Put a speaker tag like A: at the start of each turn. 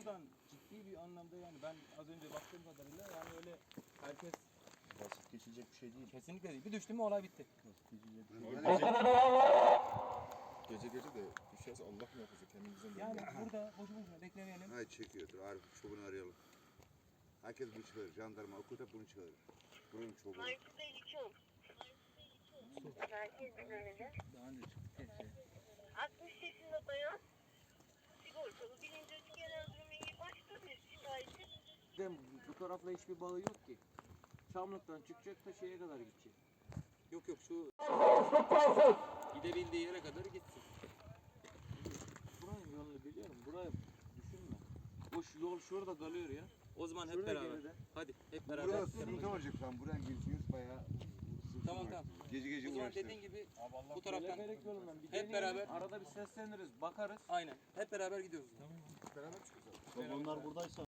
A: buradan ciddi bir anlamda yani ben az önce baktığım kadarıyla yani öyle herkes
B: Basit geçilecek bir şey değil.
A: kesinlikle değil. Bir düştü mü olay bitti.
B: Basit geçilecek bir
C: Gece gece de düşerse Allah muhafaza kendimizden
A: Yani burada boşu boşuna beklemeyelim.
D: Hayır çekiyordur. Arif çobanı arayalım. Herkes bunu çağırır. Jandarma, okul hep bunu çağırır. Buranın çobanı.
E: Markete geçiyorum. Merkez önünde.
B: daha önce çıktı.
E: 60 yaşında bayan. Sigortalı. Birinci açık genel durumu iyi. Başka bir şikayeti.
F: Bu tarafla hiçbir bağı yok ki. Çamlıktan çıkacak da şeye kadar gidecek.
A: Yok yok şu gidebildiği yere kadar gitsin.
F: Buranın yolunu biliyorum. Buraya düşünme. O yol şurada kalıyor ya.
A: O zaman hep
F: Şurada
A: beraber.
F: geride.
A: Hadi hep beraber.
D: Burada sıkıntı olacak lan. Buradan girsiniz bayağı.
A: Tamam tamam.
D: Gece gece
A: O zaman
D: uğraştınız.
A: dediğin gibi bu taraftan
F: Teleferik yolundan bir
A: hep
F: deneyelim.
A: beraber.
F: Arada bir sesleniriz, bakarız.
A: Aynen. Hep beraber gidiyoruz.
C: beraber çıkacağız.
B: Onlar buradaysa